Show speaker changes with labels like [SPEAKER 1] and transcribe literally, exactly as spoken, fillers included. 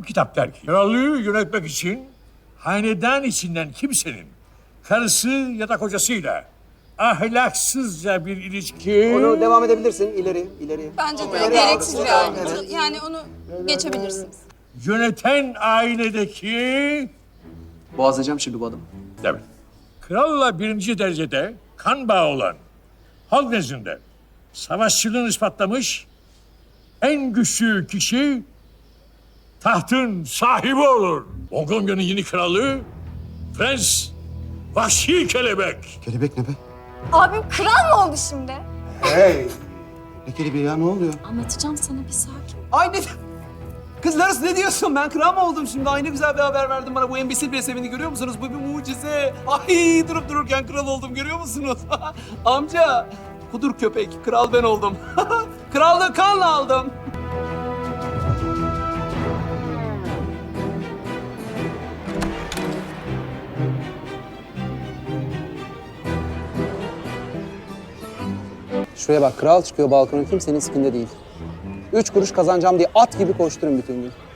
[SPEAKER 1] Bizim kitap der ki, krallığı yönetmek için hanedan içinden kimsenin karısı ya da kocasıyla ahlaksızca bir ilişki...
[SPEAKER 2] Onu devam edebilirsin. İleri, ileri.
[SPEAKER 3] Bence de
[SPEAKER 2] İleri
[SPEAKER 3] gereksiz
[SPEAKER 2] aldım.
[SPEAKER 3] bir ayrıntı. Yani onu geçebilirsiniz.
[SPEAKER 1] Yöneten ailedeki...
[SPEAKER 2] Boğazlayacağım şimdi bu adamı.
[SPEAKER 1] Evet. Kralla birinci derecede kan bağı olan, halk nezdinde savaşçılığını ispatlamış en güçlü kişi tahtın sahibi olur. Mongolia'nın yeni kralı Prens Vahşi Kelebek.
[SPEAKER 4] Kelebek ne be?
[SPEAKER 3] Abim kral mı oldu şimdi?
[SPEAKER 4] Hey! Ne kelebeği ya, ne oluyor?
[SPEAKER 3] Anlatacağım sana, bir sakin.
[SPEAKER 2] Ay ne... Kız Larus ne diyorsun? Ben kral mı oldum şimdi? Ay ne güzel bir haber verdin bana. Bu embesil bir sevindi, görüyor musunuz? Bu bir mucize. Ay durup dururken kral oldum, görüyor musunuz? Amca, kudur köpek. Kral ben oldum. Krallığı kanla aldım. Şuraya bak, kral çıkıyor balkona, kimsenin sikinde değil. Üç kuruş kazanacağım diye at gibi koşturun bütün gün.